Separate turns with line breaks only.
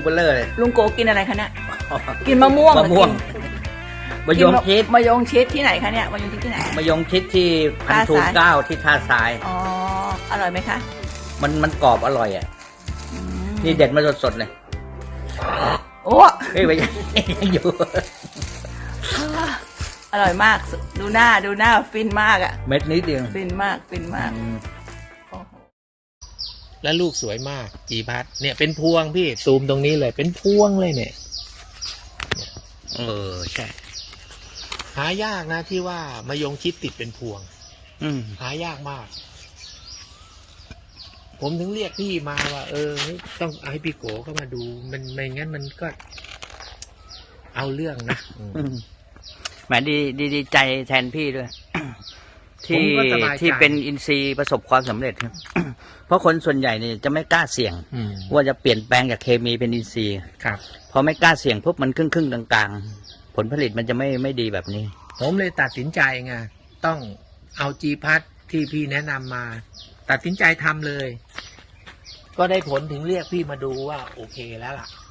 เบลเลอร์เลย
ลุงโกกินอะไรคะเนี่ยกินมะม่วง
มะม่วงมะยงชิด
มะยงชิดที่ไหนคะเนี่ยมะยงชิดที่ไหน
มะยงชิดที่1,009ที่ท่าทราย
อ๋ออร่อยไหมคะ
มันกรอบอร่อยอ่ะนี่เด็ดมาสดๆเลย
โอ้
เฮ้ยไปยังอยู่
อร่อยมากดูหน้าฟินมากอ่ะ
เม็ดนิดเดียว
ฟินมากโอ้โห
แล้วลูกสวยมากจีพัดเนี่ยเป็นพวงพี่ซูมตรงนี้เลยเป็นพวงเลยเนี่ย
ใช่
หายากนะที่ว่ามะยงชิดติดเป็นพวง หายากมาก ผมถึงเรียกพี่มาว่าต้องเอาให้พี่โกเข้ามาดูมันไม่งั้นมันก็ เอาเรื่องนะ
แหมดีใจแทนพี่ด้วย
ผมก็สบายใจ
ที่เป็นอินทรีย์ประสบความสำเร็จครับ เพราะคนส่วนใหญ่เนี่ยจะไม่กล้าเสี่ยง ว่าจะเปลี่ยนแปลงจากเคมีเป็นอินทรีย์
ครับ
พอไม่กล้าเสี่ยงปุ๊บมันครึ่งกลางๆผลผลิตมันจะไม่ดีแบบนี้
ผมเลยตัดสินใจไงต้องเอาจีพัดที่พี่แนะนำมา ตัดสินใจทำเลย ก็ได้ผลถึงเรียกพี่มาดูว่าโอเคแล้วล่ะ